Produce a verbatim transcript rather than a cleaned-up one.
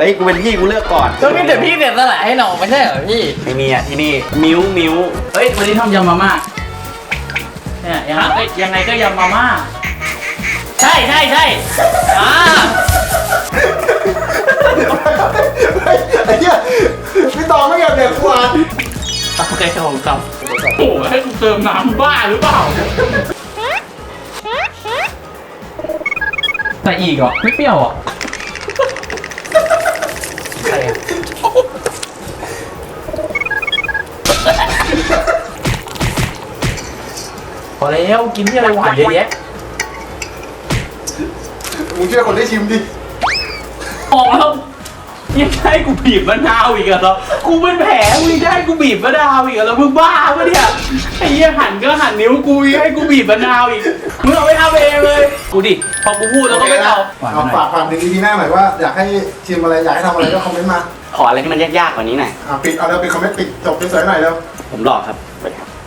ฮ้ยกูเป็นพี่กูเลือกก่อนก็มีแต่พี่เสียสละให้น้องไม่ใช่เหรอพี่ไม่มีอ่ะที่นี่มิ้วมิ้วเฮ้ยวันนี้ทำยำมาม่าเนี่ยยังไงยังไงก็ยำมาม่าใช่ใช่ใช่อ่าไอ้เหี้ยพี่ตองไม่อยากเด็กกว่าโอเคผมครับโอ้ให้กูเติมน้ำบ้าหรือเปล่าใส่อีกเหรอไม่เปรี้ยวอ่ะพอแล้วกินที่อะไรหวานเยอะแยะมึงเชื่อคนได้ชิมดิออกแล้วยังให้กูบีบมะนาวอีกเหรอกูเป็นแผลมึงจะให้กูบีบมะนาวอีกเหรอมึงบ้าปะเนี่ยไอ้เหี้ยหั่นก็หั่นนิ้วกูยังให้กูบีบมะนาวอีกมึงเอาไปทำเองเลยกูดิพอกูพูดแล้วก็ไม่เอาเอาฝากฝากถึงอีพีหน้าหน่อยว่าอยากให้ชิมอะไรอยากให้ทำอะไรก็คอมเมนต์มาขออะไรที่มันยากๆกว่านี้หน่อยอ่ะปิดเอาแล้วปิดคอมเมนต์ปิดจบสวยๆหน่อยแล้วผมหลอกครับ